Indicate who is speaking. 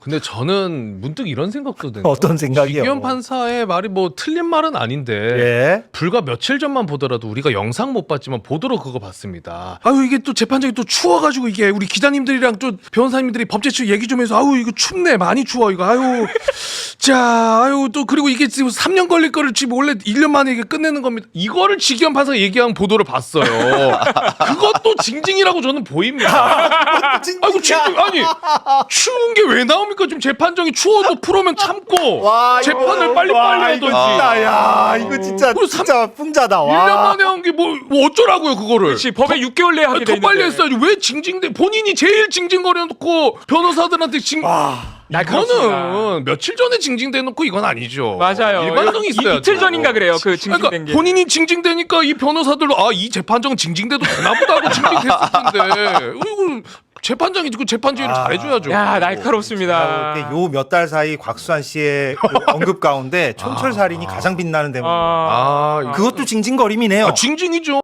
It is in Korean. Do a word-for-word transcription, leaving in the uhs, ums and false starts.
Speaker 1: 근데 저는 문득 이런 생각도 드네요.
Speaker 2: 어떤 생각이요?
Speaker 1: 지기현 판사의 말이 뭐 틀린 말은 아닌데
Speaker 2: 예.
Speaker 1: 불과 며칠 전만 보더라도 우리가 영상 못 봤지만 보도로 그거 봤습니다. 아유 이게 또 재판장이 또 추워가지고 이게 우리 기자님들이랑 또 변호사님들이 법제처 얘기 좀 해서 아유 이거 춥네 많이 추워 이거 아유 자 아유 또 그리고 이게 지금 삼 년 걸릴 거를 지금 원래 일 년 만에 이게 끝내는 겁니다. 이거를 지기현 판사가 얘기한 보도를 봤어요. 그것도 징징이라고 저는 보입니다. 아이고 징징 아니 추운 게 왜 나옵니까? 지금 재판정이 추워도 프로면 참고
Speaker 2: 와,
Speaker 1: 재판을
Speaker 2: 이거-
Speaker 1: 빨리빨리
Speaker 2: 와,
Speaker 1: 하든지.
Speaker 2: 이거 진짜, 야, 이거 진짜,
Speaker 1: 그리고 삼-
Speaker 2: 진짜 풍자다.
Speaker 1: 일 년
Speaker 2: 와.
Speaker 1: 만에 한 게 뭐 뭐 어쩌라고요 그거를.
Speaker 3: 그렇지 법에 육 개월 내에 하게 돼
Speaker 1: 더
Speaker 3: 있는데.
Speaker 1: 빨리 했어야지. 왜 징징대 본인이 제일 징징거려놓고 변호사들한테 징
Speaker 3: 날카롭습니다.
Speaker 1: 이거는 며칠 전에 징징대놓고 이건 아니죠.
Speaker 3: 맞아요.
Speaker 1: 일관성이
Speaker 3: 이-
Speaker 1: 있어야죠.
Speaker 3: 이틀 전인가 그래요. 그 징징된
Speaker 1: 그러니까
Speaker 3: 게.
Speaker 1: 본인이 징징대니까 이 변호사들도 아 이 재판정은 징징대도 되나보다 하고 징징댔을 텐데 이거 재판장이 그 재판주의를
Speaker 2: 아.
Speaker 1: 잘해줘야죠.
Speaker 3: 야 날카롭습니다.
Speaker 2: 요 몇 달 사이 곽수환 씨의 그 언급 가운데 촌철살인이 가장 빛나는 대목입니다.
Speaker 3: 아,
Speaker 1: 아,
Speaker 2: 그것도 징징거림이네요.
Speaker 1: 아 징징이죠.